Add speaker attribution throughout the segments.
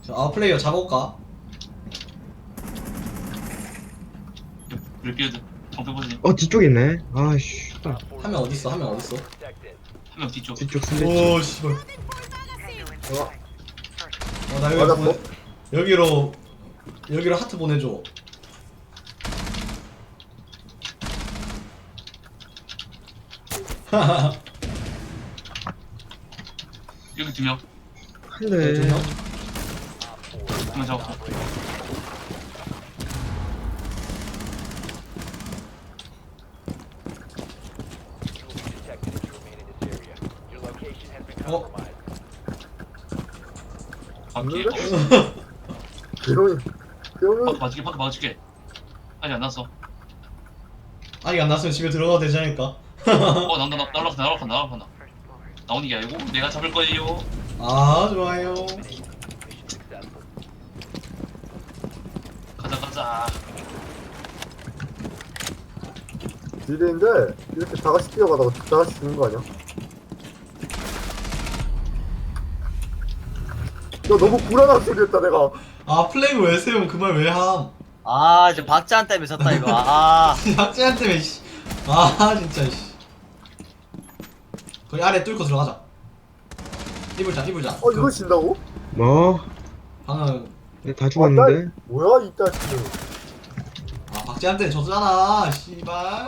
Speaker 1: 아웃플레이어 잡아올까?
Speaker 2: 블랙비어드 방패보지.
Speaker 3: 뒤쪽에 있네. 아씨.
Speaker 1: 한 명 어딨어? 한 명 어딨어?
Speaker 2: 한 명 뒤쪽.
Speaker 3: 뒤쪽 순대.
Speaker 1: 오 씨발. 나 여기
Speaker 4: 맞았어?
Speaker 1: 여기로 하트 보내줘.
Speaker 2: 여기 두 명.
Speaker 3: 한대.
Speaker 1: 두 명?
Speaker 2: 한 명 잡았고.
Speaker 1: 어?
Speaker 2: 밖에.
Speaker 4: 조용히 조용히
Speaker 2: 밖에 맞을게. 아직 안 났어.
Speaker 1: 아직 안 났으면 집에 들어가도 되지 않을까?
Speaker 2: 날아간다. 나오는 게 아니고 내가 잡을 거예요.
Speaker 1: 아 좋아요.
Speaker 2: 가자.
Speaker 4: 딜인데 이렇게 다 같이 뛰어가다가 다 같이 죽는 거 아니야? 너 너무 불안한 소리였다 내가.
Speaker 1: 아 플래그 왜 세움? 그 말 왜 함?
Speaker 5: 아, 지금 박지한 때문에 졌다 이거. 아,
Speaker 1: 박재한 때문에 씨. 아 진짜 씨. 거기 아래 뚫고 들어가자. 이불자.
Speaker 4: 이거 진다고?
Speaker 3: 뭐?
Speaker 1: 방금
Speaker 3: 다 죽었는데.
Speaker 4: 뭐야 이 자식들.
Speaker 1: 박재한 때는 졌잖아. 씨발.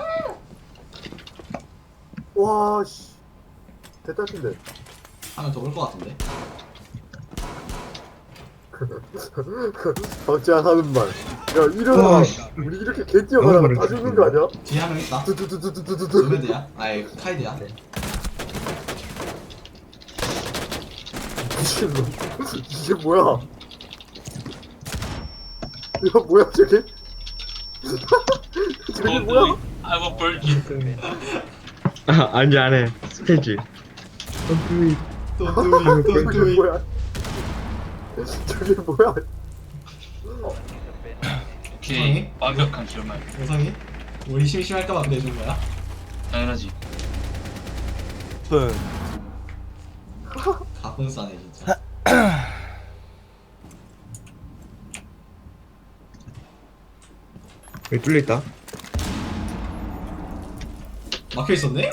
Speaker 4: 와 씨. 대딸인데.
Speaker 1: 하면 더 올 것 같은데.
Speaker 4: 박지한 하는 말. 야 이러다
Speaker 3: 와, 씨.
Speaker 4: 우리 이렇게 개 뛰어가다가 다 죽는 거 아니야?
Speaker 1: 뒤에 한 명 있다.
Speaker 4: 두두두두두두두.
Speaker 1: 루메드야? 아이 카이드야.
Speaker 4: 미친놈. 이게 뭐야? 이거 뭐야 저게? 저게 뭐야?
Speaker 2: 아이고 벌기.
Speaker 3: 아니 안 해. 스페이지.
Speaker 1: 또
Speaker 4: 저게
Speaker 1: 뚜이.
Speaker 4: 뭐야? 저게 뭐야?
Speaker 2: 오케이. 완벽한 기억말.
Speaker 1: 영상이? 우리 심심할까봐 그래준 거야?
Speaker 2: 당연하지.
Speaker 1: 가끔 싸네 진짜.
Speaker 3: 여기 뚫려 있다.
Speaker 1: 막혀 있었네?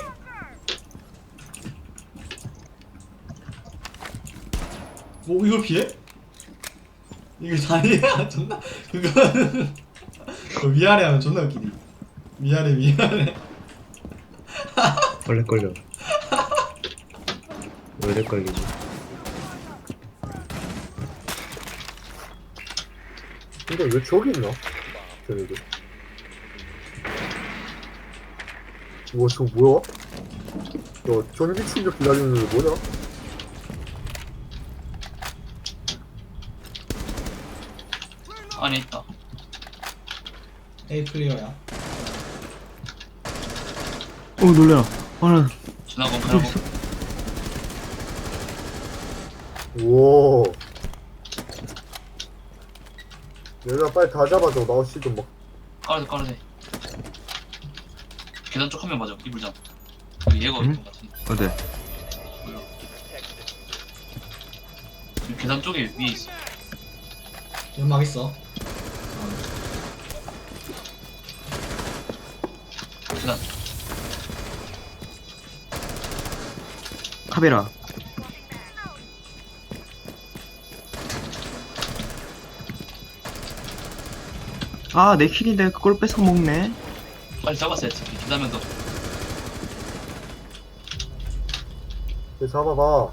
Speaker 1: 뭐 이걸 피해? 이게 다이야 존나 그거는 그 위아래 하면 존나 웃기니. 위아래.
Speaker 3: 원래 걸려. 원래 걸리지.
Speaker 4: 근데 왜 저기 있나? 저기. 우와 저거 뭐야? 야 전기 충격 기다리는 게 뭐냐?
Speaker 2: 안에 있다.
Speaker 1: A 플레이어야.
Speaker 3: 놀래라. 나
Speaker 2: 지나고.
Speaker 4: 우와. 얘들아 빨리 다 잡아줘. 나우씨 좀 막.
Speaker 2: 깔아대. 계단 쪽 한 명 맞아. 이불장. 여기 얘가 있는 것 같은데.
Speaker 3: 어때?
Speaker 2: 뭐야? 지금 계단 쪽에 위에 있어.
Speaker 1: 연막 있어.
Speaker 2: 계단.
Speaker 3: 카베라. 내 킬인데 그걸 뺏어 먹네.
Speaker 2: 빨리 잡았어야지. 계단면 더.
Speaker 4: 얘 잡아봐.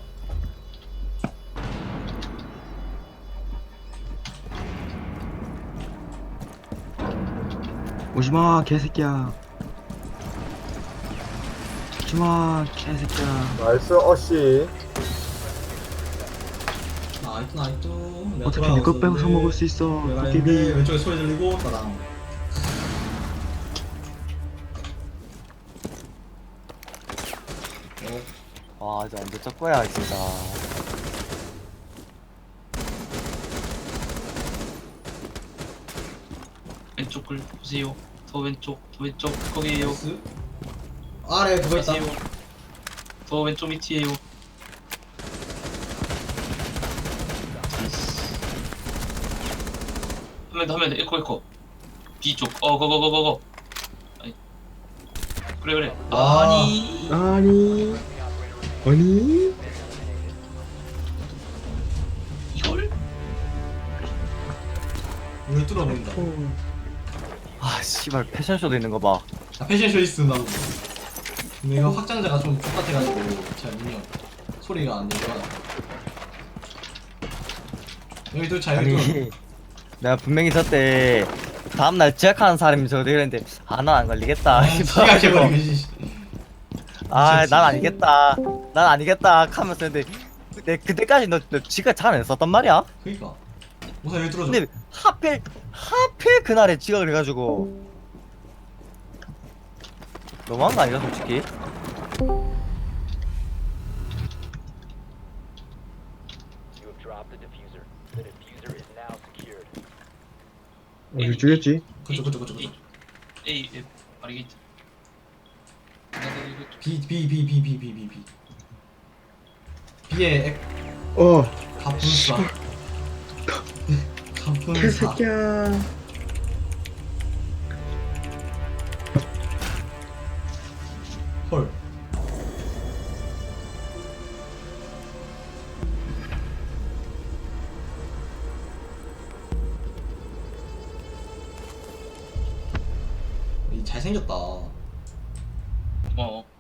Speaker 3: 오지마 개새끼야. 오지마 개새끼야.
Speaker 4: 나이스 어씨.
Speaker 1: 나이트.
Speaker 3: 어차피 내거 뺏어 먹을 수 있어.
Speaker 1: 내가
Speaker 3: 도깨비.
Speaker 1: 했는데 왼쪽에 소리 들리고 따당.
Speaker 5: 와, 이제 언제 적 거야 진짜.
Speaker 2: 왼쪽을 보세요. 더 왼쪽 거기에요.
Speaker 1: 나이스. 아래 그거 있다.
Speaker 2: 보세요. 더 왼쪽 밑이에요. 하면 돼. 에코. B 쪽. 거거거거거. 아니. 그래.
Speaker 1: 아.
Speaker 2: 아니.
Speaker 3: 아니
Speaker 2: 이걸?
Speaker 1: 왜 뚫어버린다.
Speaker 5: 아 씨발 패션쇼도 있는 거봐.
Speaker 1: 아, 패션쇼 있으면 근데 이거 확장자가 좀 똑같아가지고 잘 미니언 소리가 안 들려. 여기 또 자, 여기 또.
Speaker 5: 아니 내가 분명히 저때 다음날 지각하는 사람이 저도 이랬는데 아 난 안 걸리겠다.
Speaker 1: 지가 해버리고 씨.
Speaker 5: 아 난 아니겠다. 난 아니겠다 하면서 근데 그때까지 너 지각 잘 안 했었단 말이야.
Speaker 1: 그니까 우선 여기 뚫어줘.
Speaker 5: 근데 하필 그날에 지각을 해가지고 너무한 거 아니야 솔직히?
Speaker 3: 어디 죽였지?
Speaker 1: 그쪽.
Speaker 2: A 바리게이트.
Speaker 1: B. B의 액
Speaker 3: 어
Speaker 1: 가분사. 가분사.
Speaker 3: 개새끼야
Speaker 1: 헐. 이 잘생겼다.
Speaker 2: 고마워.